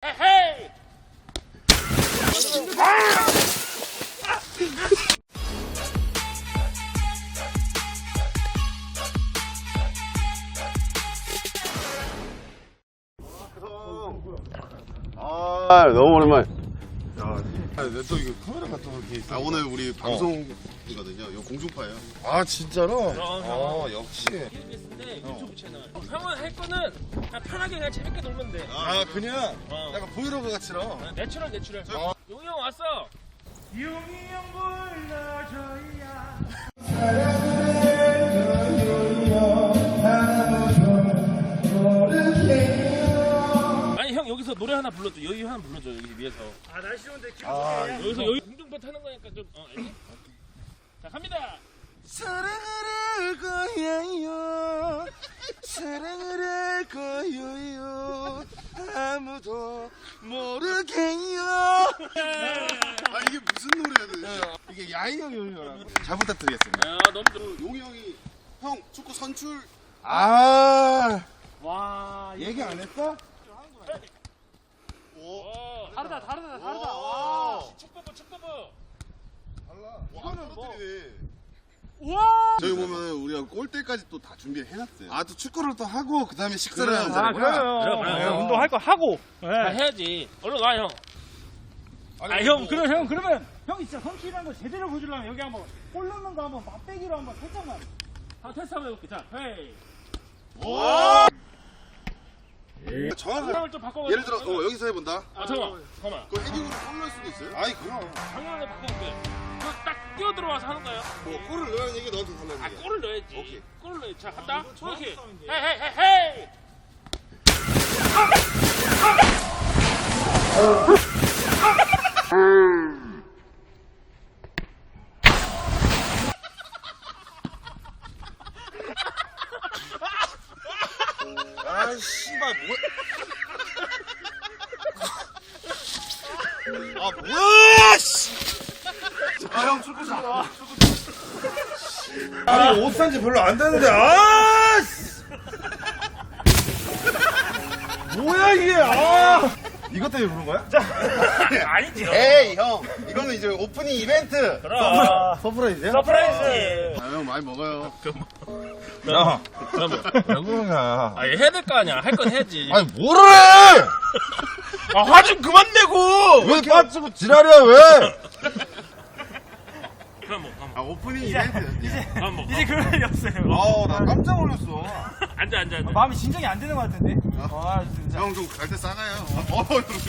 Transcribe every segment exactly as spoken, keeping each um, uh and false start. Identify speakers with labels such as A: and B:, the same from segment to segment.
A: 헤이.
B: 아 너무 오랜만에.
C: 야, 내 또 이거 카메라 같은 거 이렇게 있어.
B: 아 오늘 우리 방송이거든요. 이거 공중파예요.
C: 아 진짜로?
A: 그럼,
C: 아 역시.
A: 케이비에스인데 유튜브 채널. 형은 할 거는 그냥 편하게 그냥 재밌게 놀면 돼.
C: 아 그냥
A: 어.
C: 약간 브이로그 같이로.
A: 어, 내추럴 내추럴.
C: 어.
A: 용이 형 왔어.
D: 용이 형 불러줘야
A: 아니 형 여기서 노래 하나 불러줘. 여기 하나 불러줘 여기 위에서.
D: 아 날씨 좋은데 기분
C: 아,
D: 좋게
A: 여기서 여기 공중파 타는 거니까 좀 어, 알지? 자 갑니다.
C: 사랑을 할 거예요. 사랑을 할 거예요. 아무도 모르게요.
B: 아 이게 무슨 노래야?
C: 이게 야이형 요요라고. 잘 부탁드리겠습니다.
A: 야 너무 좋.
B: 용이 형이 형 축구 선출.
C: 아
A: 와
C: 얘기 안 했어?
B: 오.
A: 어,
D: 다르다 다르다 다르다
B: 와.
A: 축구부 축구부.
B: 이거는 뭐?
D: 우와
B: 저희 보면 우리가 골대까지 또 다 준비를 해놨어요.
C: 아 또 축구를 또 하고 그 다음에 식사를
B: 그래요.
C: 하는
D: 아
C: 자리구나.
D: 그래요
A: 그래, 그래.
D: 네, 운동할 거 하고
A: 다
D: 네.
A: 해야지. 얼른 와 형.
D: 아 형 그럼 형 그러면 형이 진짜 성실한 거 제대로 보여주려면 여기 한번 골 넣는 거 한번 맛배기로 한번 살짝만
A: 다 테스트 한번 해볼게. 자 헤이.
B: 정확하게.
A: 상황을 좀 바꿔.
B: 예를 들어 어, 여기서 해본다.
A: 아 잠깐만 잠깐만.
B: 그 헤딩으로 골 넣을 수도 있어요.
C: 아이 그럼.
A: 상황을 바꿔볼게. 딱 뛰어 들어와서 하는 거예요.
B: 뭐 골을 넣으라는 얘기 너한테 달라는
A: 아
B: 얘기야.
A: 골을 넣어야지.
B: 오케이.
A: 골을 넣어. 자 간다. 그렇지. 헤이 헤이 헤이 헤이.
C: 아 씨발 뭐? 아 뭐야 씨! 아형 축구 잘하. 아니 옷 산지 별로 안 되는데 아! 씨! 뭐야 이게 아! 이것 때문에 부른 거야?
A: 아니죠.
B: 에이 형 이거는 이제 오프닝 이벤트.
A: 그럼.
C: 서프라이즈야?
A: 서프라이즈.
B: 아 형 많이 먹어요.
C: 야,
A: 그럼 뭐.
C: 왜 그러냐?
A: 아 해야 될 거 아니야. 할 건 해야지.
C: 아니 뭐를 해?
A: 아 화 좀 그만 내고.
C: 왜 빠지고 지랄이야 왜?
A: 그럼 뭐. 그럼
B: 아 오프닝 이벤트.
D: 이제
A: 뭐. 뭐.
D: 이제 그럴 일이 없어요
C: 아우 나 깜짝 놀랐어.
A: 앉아 앉아 앉아.
D: 마음이 진정이 안 되는 것 같은데 아 진짜
B: 형 좀 갈 때 싸가요. 어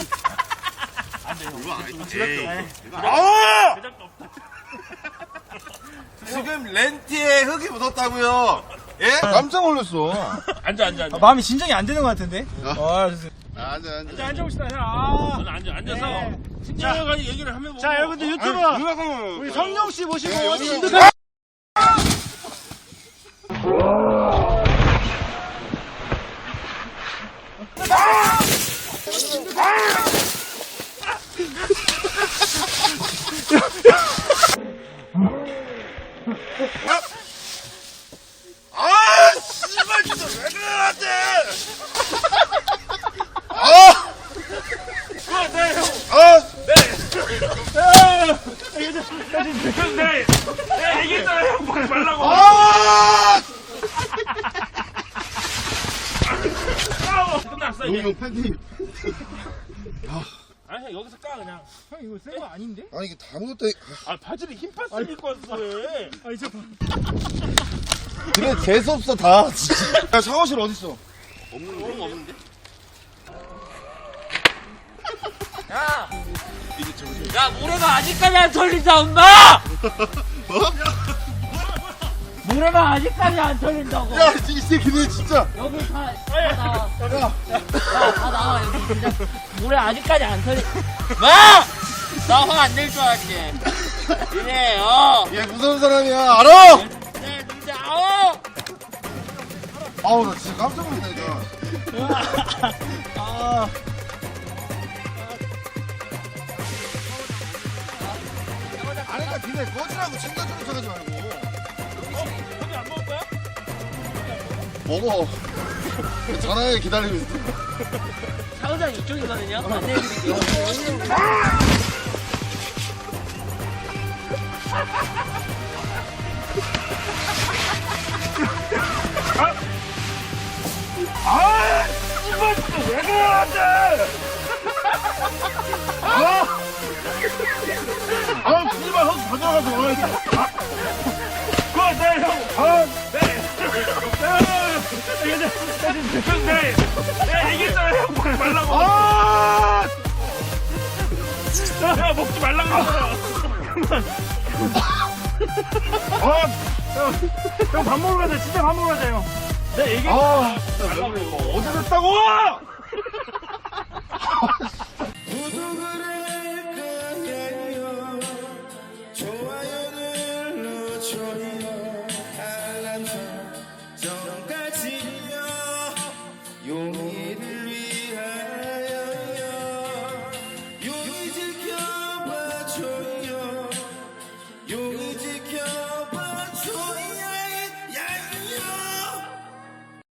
B: 이거 아니지.
C: 아!
A: 제작도 없다.
C: 지금 렌티에 흙이 묻었다고요. 예? 깜짝 놀랐어.
A: 앉아 앉아 앉아.
D: 아, 마음이 진정이 안 되는 것 같은데 아 진짜
B: 아, 앉아 앉아.
D: 자 앉아봅시다 형 아.
A: 앉아 앉아 앉아서
D: 네.
A: 친절하게 얘기를 하면 뭐.
D: 자 여러분들 유튜브 우리 성룡 씨 모시고
B: 네, 여기
D: 진짜
B: 여기.
C: 아, 씨발 진짜 왜 그래 나한테? 아!
A: 아, 네 형.
C: 아!
A: 네. 네 얘기했잖아요. 형 말 말라고.
C: 아!
A: 끝났어
B: 용이
A: 이제.
B: 형 팬티.
A: 아니 형 여기서 까 그냥.
D: 형 이거 센 거 아닌데?
C: 아니 이게 다 묻었다.
A: 아 바지를 흰 파스 입고 왔어 왜?
D: 아 이제
C: 그래 재수 없어 다. 야 샤워실 어디 있어?
A: 없는 거 없는데? 야! 야 모래가 아직까지 안 털린다 엄마! 모래가 아직까지 안 털린다고.
C: 야 이 새끼들 진짜.
A: 여기 다, 다 나와. 야, 다 나와 여기 진짜 모래 아직까지 안 털린. 마! 나 화 안 낼 줄 알았지. 이래 어.
C: 얘 무서운 사람이야 알아?
A: 네 진짜 어.
C: 아우 나 진짜 깜짝 놀랐다 이거.
D: 아
C: 아니 그러니까 니네 꺼지라고 챙겨주는 척 하지 말고.
A: 형이 안 먹을 거야?
C: 먹어. 전화해 기다리고 있어.
A: 사우장 이쪽이거든요. 안내해드릴게요.
D: 아, 이번 왜 그러는데? 아,
C: 아, 씨발, 형 가져가서 먹어야지.
D: 그거 네 형, 아, 네, 네, 네, 네, 네, 얘기했잖아요, 형 먹지 말라고.
C: 아!
D: 야, 먹지 말라고 했어요. 아, 형, 형 밥 먹으러 가자, 진짜 밥 먹으러 가자, 형. 네, 얘기.
C: 아, 어제 됐다고!